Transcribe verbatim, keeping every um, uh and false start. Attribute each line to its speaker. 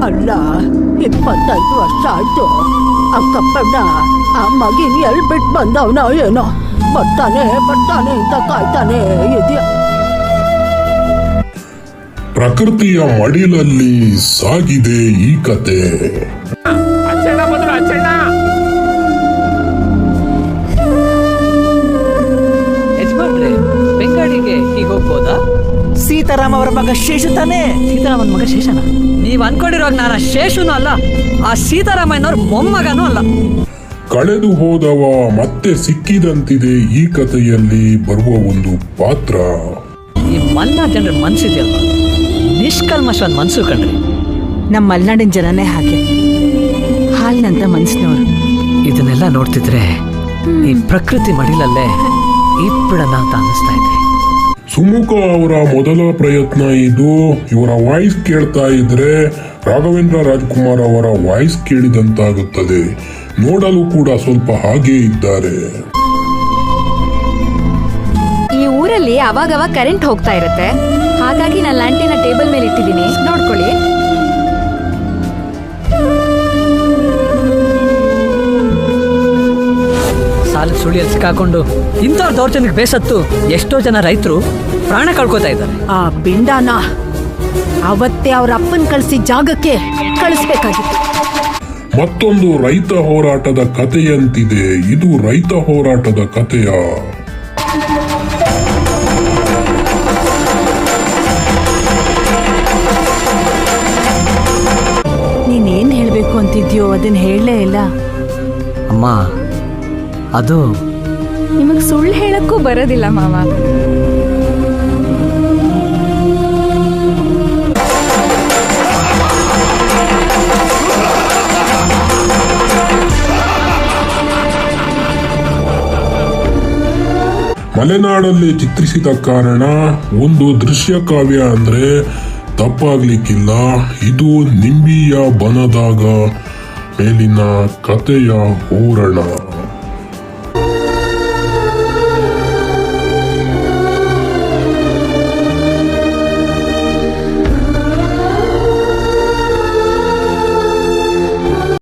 Speaker 1: ಅಲ್ಲ, ಇಪ್ಪತ್ತೈದು ವರ್ಷ ಆಯ್ತು. ಅಕ್ಕಪ್ಪಣ್ಣ ಆ ಮಗಿನ ಎಲ್ ಬಿಟ್ಟು ಬಂದವನ ಏನೋ, ಬರ್ತಾನೆ ಬರ್ತಾನೆ ಅಂತ ಕಾಯ್ತಾನೆ ಇದೆಯಾ.
Speaker 2: ಪ್ರಕೃತಿಯ ಮಡಿಲಲ್ಲಿ ಸಾಗಿದೆ ಈ ಕತೆ.
Speaker 3: ಯಜಮಾನ್ರೆ, ಬೆಂಗಾಡಿಗೆ ಹೀಗೆ ಹೋಗ್ಬೋದಾ?
Speaker 4: ಸೀತಾರಾಮ ಅವರ ಮಗ ಶೇಷು ತಾನೆ?
Speaker 3: ಸೀತಾರಾಮನ್ ಮಗ ಶೇಷನ? ನೀವ್ ಅನ್ಕೊಂಡಿರೋ ನಾನು ಶೇಷುನು ಅಲ್ಲ, ಆ ಸೀತಾರಾಮಯ್ಯನವ್ರ ಮೊಮ್ಮಗನೂ ಅಲ್ಲ.
Speaker 2: ಕಳೆದು ಹೋದವ ಮತ್ತೆ ಸಿಕ್ಕಿದಂತಿದೆ ಈ ಕಥೆಯಲ್ಲಿ ಬರುವ ಒಂದು ಪಾತ್ರ.
Speaker 3: ಈ ಮಲ್ನಾಡ್ ಜನರ ಮನ್ಸಿದೆಯಲ್ವ, ನಿಷ್ಕಲ್ಮಶವಾದ ಮನ್ಸು ಕಣ್ರಿ.
Speaker 4: ನಮ್ಮ ಮಲ್ನಾಡಿನ ಜನನೇ ಹಾಗೆ, ಹಾಲ್ನಂತ ಮನ್ಸಿನವರು.
Speaker 3: ಇದನ್ನೆಲ್ಲ ನೋಡ್ತಿದ್ರೆ ಈ ಪ್ರಕೃತಿ ಮಡಿಲಲ್ಲೇ ಇಪ್ಪಡನ ಅಂತ ಅನ್ನಿಸ್ತಾ ಇದೆ.
Speaker 2: ಸುಮುಖ ಅವರ ಮೊದಲ ಪ್ರಯತ್ನ ಇದು. ಇವರ ವಾಯ್ಸ್ ಕೇಳ್ತಾ ಇದ್ರೆ ರಾಘವೇಂದ್ರ ರಾಜ್ಕುಮಾರ್ ಅವರ ವಾಯ್ಸ್ ಕೇಳಿದಂತಾಗುತ್ತದೆ. ನೋಡಲು ಕೂಡ ಸ್ವಲ್ಪ ಹಾಗೇ ಇದ್ದಾರೆ.
Speaker 5: ಈ ಊರಲ್ಲಿ ಅವಾಗವಾಗ ಕರೆಂಟ್ ಹೋಗ್ತಾ ಇರುತ್ತೆ, ಹಾಗಾಗಿ ನಾನು ಲ್ಯಾಂಟಿನ ಟೇಬಲ್ ಮೇಲೆ ಇಟ್ಟಿದ್ದೀನಿ, ನೋಡ್ಕೊಳ್ಳಿ.
Speaker 3: ಸಾಲ ಸುಳಿಯಲ್ಲಿ ಸಿಕ್ಕಾಕೊಂಡು ಇಂಥವ್ರ ದೌರ್ಜನ್ಯಕ್ಕೆ ಬೇಸತ್ತು ಎಷ್ಟೋ ಜನ ರೈತರು ಪ್ರಾಣ ಕಳ್ಕೊತಾ ಇದ್ದಾರೆ.
Speaker 1: ಆ ಬಿಂಡಾನ ಅವತ್ತೇ ಅವ್ರ ಅಪ್ಪನ್ ಕಳಿಸಿ ಜಾಗಕ್ಕೆ ಕಳಿಸ್ಬೇಕಾಗಿತ್ತು.
Speaker 2: ಮತ್ತೊಂದು ರೈತ ಹೋರಾಟದ ಕಥೆಯಂತಿದೆ ಇದು. ರೈತ ಹೋರಾಟದ ಕಥೆಯ
Speaker 4: ನೀನೇನ್ ಹೇಳ್ಬೇಕು ಅಂತಿದ್ಯೋ ಅದನ್ನ ಹೇಳಲೇ ಇಲ್ಲ.
Speaker 3: ಅಮ್ಮ, ಅದು
Speaker 5: ನಿಮಗ್ ಸುಳ್ಳು ಹೇಳಕ್ಕೂ ಬರೋದಿಲ್ಲ ಮಾವ.
Speaker 2: ಮಲೆನಾಡಲ್ಲಿ ಚಿತ್ರಿಸಿದ ಕಾರಣ ಒಂದು ದೃಶ್ಯ ಕಾವ್ಯ ಅಂದ್ರೆ ತಪ್ಪಾಗ್ಲಿಕ್ಕಿಲ್ಲ. ಇದು ನಿಂಬಿಯ ಬನದಾಗ ಮೇಲಿನ ಕಥೆಯ ಹೂರಣ.